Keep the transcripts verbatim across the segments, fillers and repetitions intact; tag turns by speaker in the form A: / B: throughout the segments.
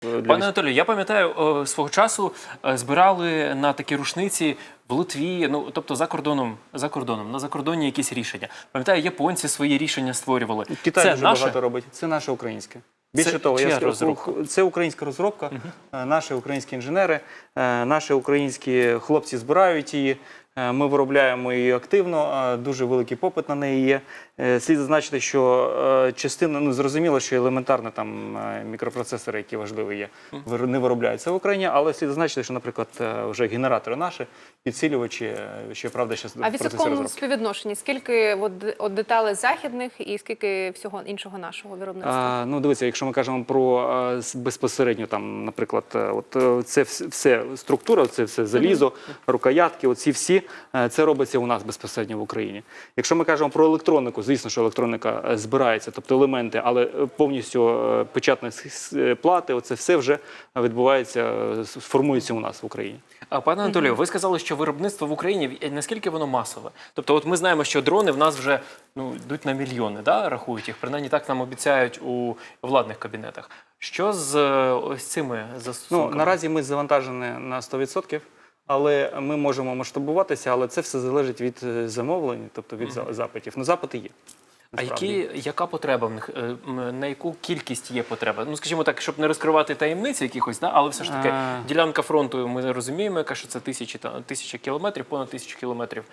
A: Пане Анатолію, я пам'ятаю, свого часу збирали на такі рушниці в Литві, ну, тобто за кордоном, за кордоном, на закордонні якісь рішення. Пам'ятаю, японці свої рішення створювали.
B: Китай
A: це
B: дуже
A: наше?
B: багато робить. Це наше українське. Більше
A: Це
B: того,
A: чия
B: я скажу,
A: розробка?
B: це українська розробка, угу. Наші українські інженери, наші українські хлопці збирають її. Ми виробляємо її активно, дуже великий попит на неї є. Слід зазначити, що частина, ну зрозуміло, що елементарно там мікропроцесори, які важливі є, не виробляються в Україні, але слід зазначити, що, наприклад, вже генератори наші, підсилювачі, ще, правда, ще в процесі розробки.
C: А в відсотковому співвідношенні, скільки от, от деталей західних і скільки всього іншого нашого виробництва?
B: А, ну, дивіться, якщо ми кажемо про а, безпосередньо, там, наприклад, от це все структура, це все залізо, mm-hmm. рукоятки, оці всі, це робиться у нас безпосередньо в Україні. Якщо ми кажемо про електронику, звісно, що електроніка збирається, тобто елементи, але повністю печатні плати, оце все вже відбувається, формується у нас в Україні.
A: А, пане Анатолію, ви сказали, що виробництво в Україні, наскільки воно масове? Тобто, от ми знаємо, що дрони в нас вже ну, йдуть на мільйони, да, рахують їх, принаймні так нам обіцяють у владних кабінетах. Що з ось цими застосунками?
B: Ну, наразі ми завантажені на сто відсотків. Але ми можемо масштабуватися, але це все залежить від замовлень, тобто від mm-hmm. запитів. Ну, запити є.
A: А які, яка потреба в них? На яку кількість є потреба? Ну, скажімо так, щоб не розкривати таємниці якихось, да? Але все ж таки а... ділянка фронту, ми розуміємо, яка, що це тисячі, тисяча кілометрів, понад тисячу кілометрів.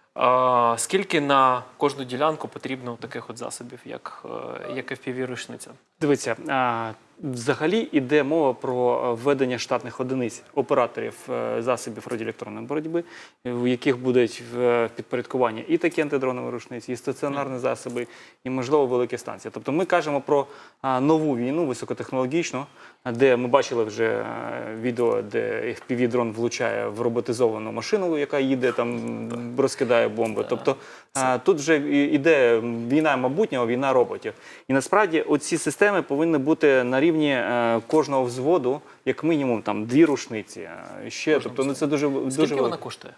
A: А, скільки на кожну ділянку потрібно таких от засобів, як, як еф пі ві-рушниця?
B: Дивіться, а, взагалі йде мова про введення штатних одиниць операторів засобів радіоелектронної боротьби, в яких будуть в підпорядкуванні і такі антидронові рушниці, і стаціонарні засоби, і, можливо, великі станції. Тобто ми кажемо про а, нову війну, високотехнологічну, де ми бачили вже відео, де еф пі ві-дрон влучає в роботизовану машину, яка їде, там, розкидає бомби. Тобто а, тут вже йде війна майбутнього, війна роботів. І насправді оці системи повинні бути на рівні е, кожного взводу, як мінімум, там, дві рушниці. Ще, тобто, ну, це дуже, дуже
A: Скільки вона коштує?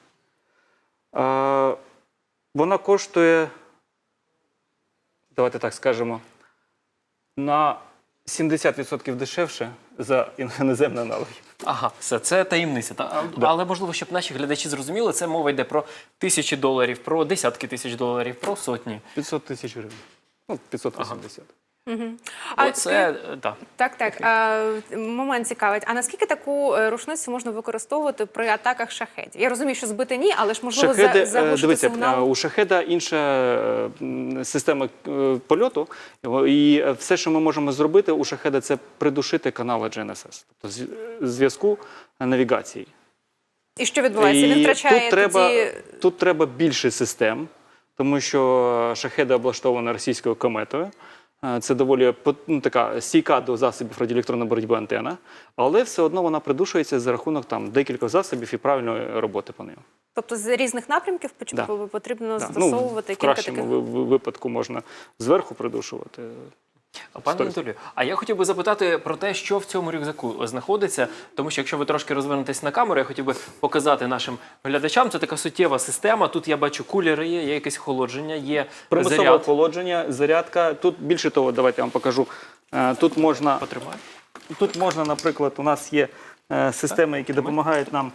B: Е, вона коштує, давайте так скажемо, на сімдесят відсотків дешевше за іноземні аналоги.
A: Ага, все, це таємниця. Та?
B: Да.
A: Але, можливо, щоб наші глядачі зрозуміли, це мова йде про тисячі доларів, про десятки тисяч доларів, про сотні.
B: п'ятсот тисяч гривень. Ну, п'ятсот вісімдесят.
C: Угу. А
A: Оце, да.
C: Так, так. А, момент цікавить. А наскільки таку рушницю можна використовувати при атаках шахедів? Я розумію, що збити ні, але ж можливо
B: Шахеди,
C: заглушити
B: дивіться,
C: сигнал?
B: у шахеда інша система польоту, і все, що ми можемо зробити у шахеда, це придушити канали джі ен ес ес, тобто зв'язку навігації.
C: І що відбувається? Він втрачає
B: тут треба,
C: тоді...
B: Тут треба більше систем, тому що шахеда облаштована російською кометою. Це доволі ну, така стійка до засобів радіоелектронної боротьби антена, але все одно вона придушується за рахунок там декількох засобів і правильної роботи по ним.
C: Тобто з різних напрямків
B: да.
C: потрібно
B: да.
C: застосовувати
B: ну, в
C: кілька
B: кращому
C: таких...
B: випадку можна зверху придушувати.
A: Пане Анатолію, а я хотів би запитати про те, що в цьому рюкзаку знаходиться, тому що якщо ви трошки розвернетесь на камеру, я хотів би показати нашим глядачам, це така суттєва система, тут я бачу кулери є, є якесь охолодження, є
B: примусове
A: заряд.
B: охолодження, зарядка, тут більше того, давайте я вам покажу, тут можна,
A: Потримай.
B: тут можна, наприклад, у нас є системи, які допомагають нам,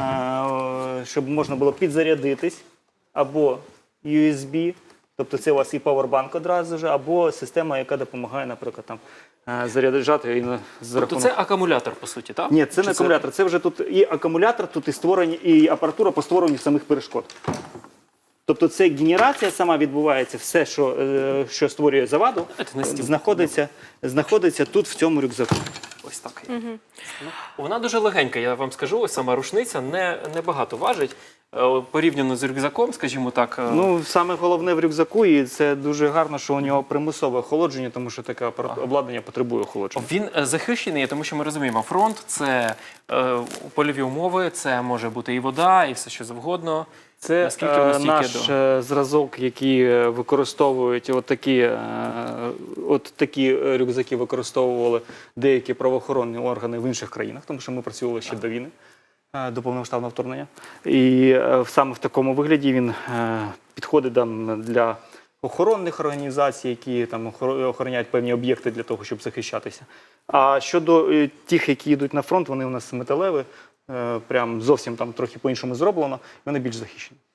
B: щоб можна було підзарядитись, або ю ес бі, тобто це у вас і павербанк одразу ж, або система, яка допомагає, наприклад, там, заряджати. І за
A: Тобто
B: рахунок...
A: це акумулятор, по суті, так?
B: Ні, це
A: Чи
B: не акумулятор, це вже тут і акумулятор, тут і створені, і апаратура по створенню самих перешкод. Тобто це генерація сама відбувається, все, що, що створює заваду, знаходиться, знаходиться тут, в цьому рюкзаку.
A: Ось так. Угу. Вона дуже легенька, я вам скажу, ось сама рушниця не, не багато важить. Порівняно з рюкзаком, скажімо так.
B: Ну, саме головне в рюкзаку, і це дуже гарно, що у нього примусове охолодження, тому що таке ага. обладнання потребує охолодження.
A: Він захищений, тому що ми розуміємо, фронт – це е, польові умови, це може бути і вода, і все що завгодно.
B: Це е, наш до... зразок, який використовують, от такі, е, от такі рюкзаки використовували деякі правоохоронні органи в інших країнах, тому що ми працювали ще а. до війни. До повномасштабного вторгнення. І е, саме в такому вигляді він е, підходить там, для охоронних організацій, які там охор- охороняють певні об'єкти для того, щоб захищатися. А щодо е, тих, які йдуть на фронт, вони у нас металеві, е, прям зовсім там трохи по-іншому зроблено, вони більш захищені.